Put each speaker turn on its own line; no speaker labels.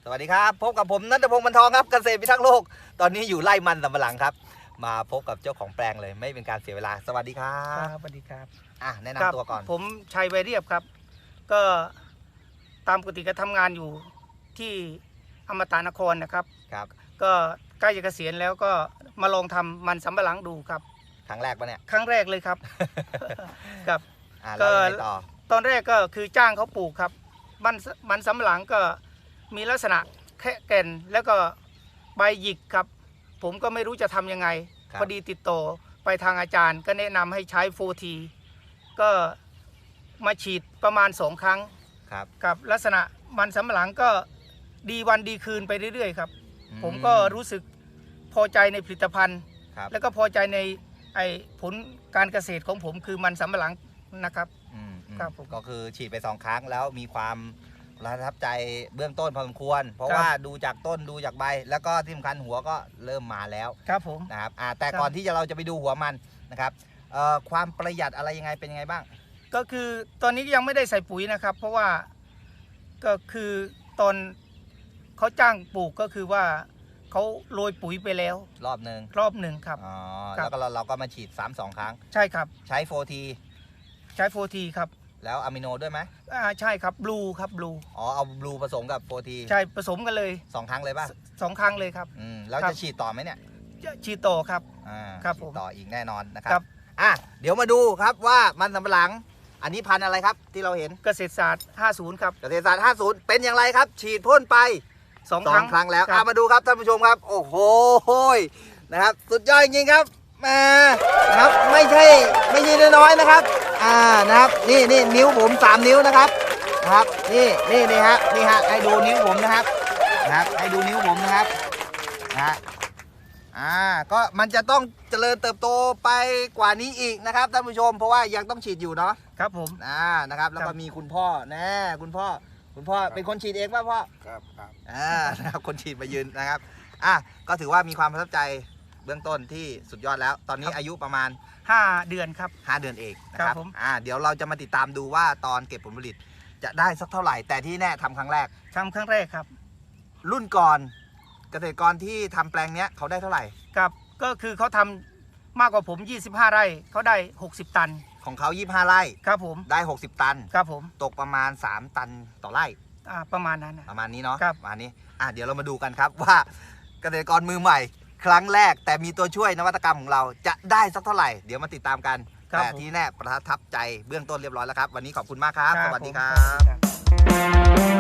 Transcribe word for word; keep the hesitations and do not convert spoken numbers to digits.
วัสดีครับพบกับผมณัฐพงษ์ บรรทองครับเกษตรพิทักษ์โลกตอนนี้อยู่ไร่มันสำปะหลังครับมาพบกับเจ้าของแปลงเลยไม่เป็นการเสียเวลาสวัสดีครับ
ครับสวัสดีครับ
อ่ะแนะนำตัวก่อน
ผมชัยไวเรียบครับก็ตามปกติก็ทำงานอยู่ที่อมตะนครนะครับ
ครับ
ก็ใกล้จะเกษียณแล้วก็มาลองทำมันสำปะหลังดูครับ
ครั้งแรกปะเนี่ย
ครั้งแรกเลยครับครับ
อ่ะแล้วยังไงต่อ
ตอนแรกก็คือจ้างเขาปลูกครับมันมันสำปะหลังก็มีลักษณะแค่แก่นแล้วก็ใบหยิกครับผมก็ไม่รู้จะทำยังไงพอดีติดต่อไปทางอาจารย์ก็แนะนำให้ใช้โฟทีก็มาฉีดประมาณสองครั้ง
ครับ
กับลักษณะมันสำปะหลังก็ดีวันดีคืนไปเรื่อยๆครับผมก็รู้สึกพอใจในผลิตภัณฑ์แล้วก็พอใจในไอ้ผลการเกษตรของผมคือมันสำปะหลังนะครับ
ครับผมก็คือฉีดไปสองครั้งแล้วมีความประทับใจเบื้องต้นพอสมควรเพราะว่าดูจากต้นดูจากใบแล้วก็ที่สำคัญหัวก็เริ่มมาแล้ว
ครับผม
นะครับอ่าแต่ก่อนที่จะเราจะไปดูหัวมันนะครับเอ่อความประหยัดอะไรยังไงเป็นยังไงบ้าง
ก็คือตอนนี้ยังไม่ได้ใส่ปุ๋ยนะครับเพราะว่าก็คือตอนเขาจ้างปลูกก็คือว่าเขาโรยปุ๋ยไปแล้ว
รอบหนึ่ง
รอบหนึ่งครับ
อ๋อแล้วก็เราเราก็มาฉีดซ้ำสองครั้ง
ใช่ครับ
ใช้โฟที
ใช้โฟทีครับ
แล้วอะมิโนด้วยไหม
อ่าใช่ครับบลูครับบลู
อ๋อเอาบลูผสมกับโฟที
ใช่ผสมกันเลย
สองครั้งเลยป่ะ
สองครั้งเลยครับ
อืมแล้วจะฉีดต่อไหมเนี่ย
ฉีดต่อครับ
อ่า
ครับ
ฉีดต่ออีกแน่นอนนะครับอ่ะเดี๋ยวมาดูครับว่ามันสำปะหลังอันนี้พันธุ์อะไรครับที่เราเห็น
เกษตรศาสตร์ห้าสิบครับ
เกษตรศาสตร์ห้าสิบเป็นอย่างไรครับฉีดพ่นไป
สองครั้ง
ครั้งแล้วอ่ะมาดูครับท่านผู้ชมครับโอ้โหนะครับสุดยอดจริงๆครับมานะครับไม่ใช่ไม่ใช่น้อยๆนะครับอ่านะครับนี่นี่นิ้วผมสามนิ้วนะครับนะครับนี่นี่นี่ฮะนี่ฮะให้ดูนิ้วผมนะครับนะครับให้ดูนิ้วผมนะครับนะอ่าก็มันจะต้องเจริญเติบโตไปกว่านี้อีกนะครับท่านผู้ชมเพราะว่ายังต้องฉีดอยู่เนาะ
ครับผม
อ่านะครับแล้วก็มีคุณพ่อแน่คุณพ่อคุณพ่อเป็นคนฉีดเองป่ะพ่อ
ครับครับ
อ่านะครับคนฉีดมายืนนะครับอ่ะก็ถือว่ามีความประทับใจเบื้องต้นที่สุดยอดแล้วตอนนี้อายุประมาณ
ห้าเดือนครับ
ห้าเดือนเองนะครับ
ผม
อ่าเดี๋ยวเราจะมาติดตามดูว่าตอนเก็บผลผลิตจะได้สักเท่าไหร่แต่ที่แน่ทำครั้งแรก
ทำครั้งแรกครับ
รุ่นก่อนเกษตรกรที่ทำแปลงเนี้ยเขาได้เท่าไหร่
ครับก็คือเขาทำมากกว่าผมยี่สิบห้าไร่เขาได้หกสิบตัน
ของเขายี่สิบห้าไร่
ครับผม
ได้หกสิบตัน
ครับผม
ตกประมาณสามตันต่อไร่
อ่าประมาณนั้น
ประมาณนี้เนาะ
ครับ
ประมาณนี้อ่ะเดี๋ยวเรามาดูกันครับว่าเกษตรกรมือใหม่ครั้งแรกแต่มีตัวช่วยนวัตกรรมของเราจะได้สักเท่าไหร่เดี๋ยวมาติดตามกันแต่ที่แน่ประทับใจเบื้องต้นเรียบร้อยแล้วครับวันนี้ขอบคุณมากครับสวัสดีครับ